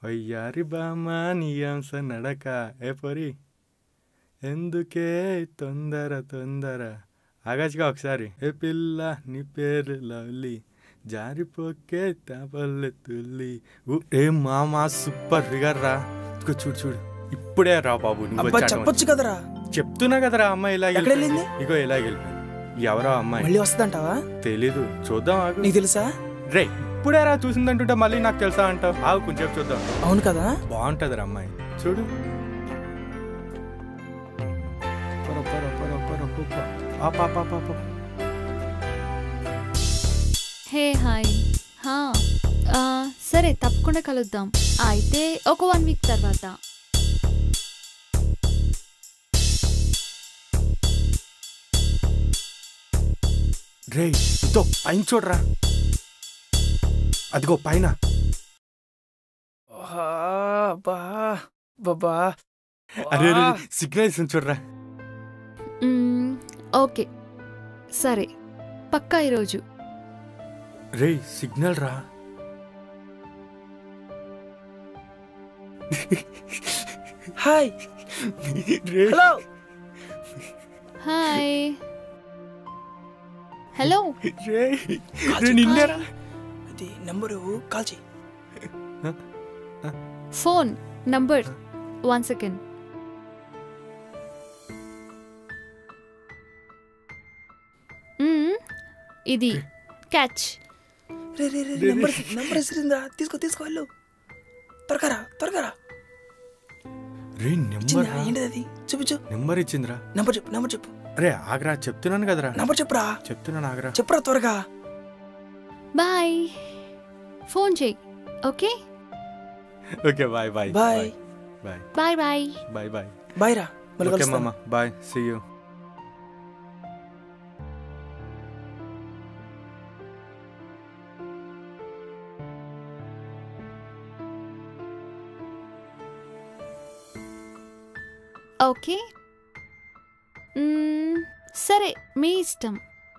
వయ్యారి బామా నీయాంస నడక ఏ పొరి ఎందుకే తొందర తొందర ఆగాచిగా ఒకసారి ఏ పిల్ల నీ పేరు లవ్లీ జారిపోకే తాపల్లె తుల్లి ఏ మామా సూపర్ ఫిగర్ రా చూడు చూడు ఇప్పుడే రా బాబు నువ్వు చెప్పొచ్చు కదరా. చెప్తున్నా కదరా అమ్మాయి ఇలా వెళ్ళింది ఇగో ఇలా వెళ్ళిపోయింది. ఎవరో అమ్మాయి మళ్ళీ వస్తుందంటావా? తెలీదు చూద్దాం ఆగు. నీకు తెలుసా? రే ఇప్పుడే రా చూసిందంటుంటే మళ్ళీ నాకు తెలుసా అంటావు. ఆగు కొంచెం చూద్దాం. అవును కదా బాగుంటది రా అమ్మాయి చూడు. హే హాయ్ సరే తప్పకుండా కలుద్దాం. అయితే ఒక 1 వీక్ తర్వాత. రే ఇదో పైన చూడరా, అదిగో పైన. అరే సిగ్నల్ ఇస్తుంది చూడరా. ఓకే సరే పక్కా ఈరోజు. రే సిగ్నల్ రా. హాయ్ హలో హాయ్ హలో నిన్నేరా. అది నంబరు కాల్ చేయి. Phone number 1 second. ఇది క్యాచ్. నంబర్ ఇస్తుందా? తీసుకో తీసుకో వెళ్ళు. త్వరగా త్వరగా. ఏంటిది అది? చూపించు. నెంబర్ ఇచ్చిందిరా. నంబర్ చెప్పు నంబర్ చెప్పు. రే ఆగ్రా చెప్తున్నాను కదరా. నంబర్ చెప్పురా. చెప్తున్నాను ఆగ్రా. చెప్పురా త్వరగా. బాయ్ ఫోన్ చెయ్యి. Okay okay bye bye bye bye bye bye bye bye bye రా. ఓకే మామా బాయ్ సీ యూ. ఓకే సరే మీ ఇష్టం.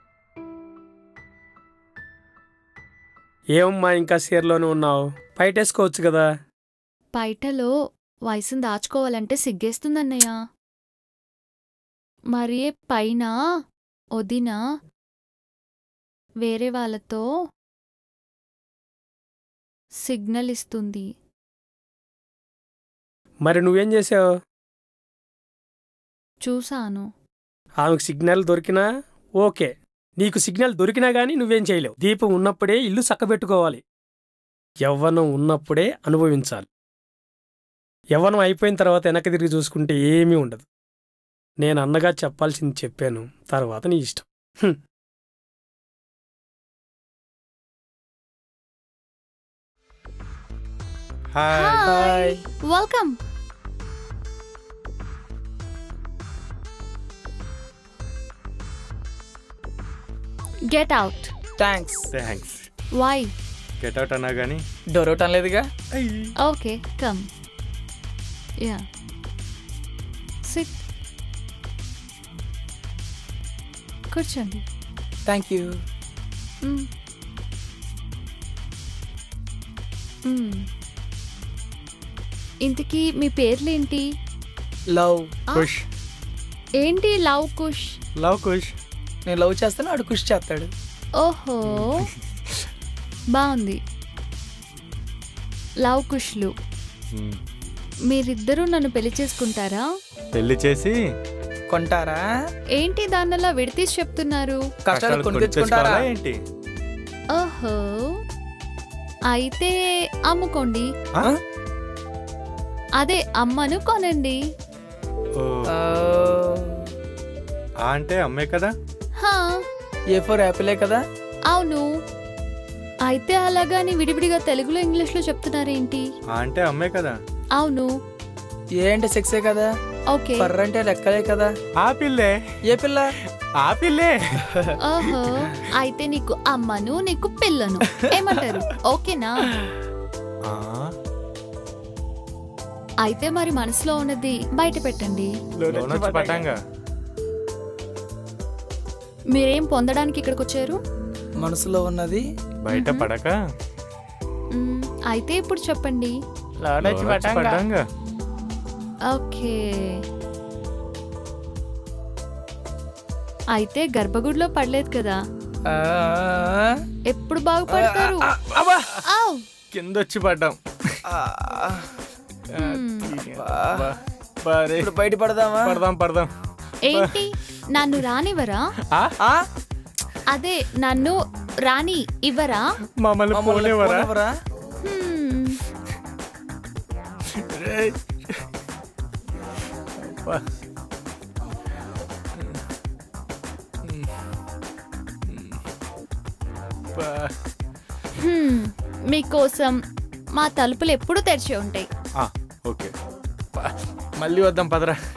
ఏమమ్మా ఇంకా సీరలోనే ఉన్నావు? బయటేసుకోవచ్చు కదా. బయటలో వయసును దాచుకోవాలంటే సిగ్గేస్తుందన్నయ్య. మరి పైన వదిన వేరే వాళ్ళతో సిగ్నల్ ఇస్తుంది. మరి నువ్వేం చేసావు? చూసాను. ఆమెకు సిగ్నల్ దొరికినా ఓకే, నీకు సిగ్నల్ దొరికినా గానీ నువ్వేం చేయలేవు. దీపం ఉన్నప్పుడే ఇల్లు చక్కబెట్టుకోవాలి. యవ్వనం ఉన్నప్పుడే అనుభవించాలి. యవ్వనం అయిపోయిన తర్వాత వెనక్కి తిరిగి చూసుకుంటే ఏమీ ఉండదు. నేను అన్నగా చెప్పాల్సింది చెప్పాను, తర్వాత నీ ఇష్టం. Hi welcome. Get out. Thanks. Thanks. Why? Get out అన్నా కానీ డోర్ అవుట్ అనలేదుగా. Okay come. Ya sit. కూర్చోండి. Thank you. ఇంతకీ మీ పేర్లేంటి? లవ్ కుష్. ఏంటి లవ్ కుష్? లవ్ కుష్. నేను లవ్ చేస్తాను, ఆడు కుష్ చేస్తాడు. ఓహో బాగుంది. లవ్ కుష్లు. మీరిద్దరూ నన్ను పెళ్లి చేసుకుంటారా? పెళ్లి చేసి కొంటారా? ఏంటి దాన్నలా విడతీసి చెప్తున్నారు? కష్టాలు కొని తెచ్చుకుంటారా ఏంటి? ఓహో అయితే అమ్ముకోండి. అదే అమ్మను కొనండి. అంటే అమ్మే కదా. ఏ ఫర్ యాపిలే కదా. అవును. అయితే అలాగాని విడివిడిగా తెలుగులో ఇంగ్లీష్లో చెప్తున్నారేంటి? అంటే అమ్మే కదా. అవును. ఏ అంటే సెక్సే కదా. ఓకే. ఫర్ అంటే లెక్కలే కదా. ఆ పిల్లే. ఏ పిల్ల? ఆ పిల్లే. ఓహో అయితే నీకు అమ్మను నీకు పిల్లను ఏమంటారు? ఓకేనా? అయితే మరి మనసులో ఉన్నది బయట పెట్టండి. మీరేం పొందడానికి ఇక్కడికి వచ్చారు? మనసులో ఉన్నది బయట పడక. అయితే ఇప్పుడు చెప్పండి. లోడొచ్చి పడ్డాంగా. పడ్డాంగా. ఓకే, అయితే గర్భగుడిలో పడలేదు కదా, ఆ, ఎప్పుడు బాగుపడతారు? అబ్బా. ఆవ్. కింద వచ్చి పడ్డాం. బారే. ఇప్పుడు బయట పడదామా? పడదాం పడదాం. ఏంటి నన్ను రానివరా? ఆ? అదే నన్ను రాని ఇవ్వరా? మమ్మల్ని పోలేవరా? పోనివ్వరా? హ్మ్. రేయ్. అబ్బా. అబ్బా. హ్మ్. మీకోసం మా తలుపులు ఎప్పుడూ తెరిచి ఉంటాయి. ఓకే, మళ్ళీ వద్దాం పదరా.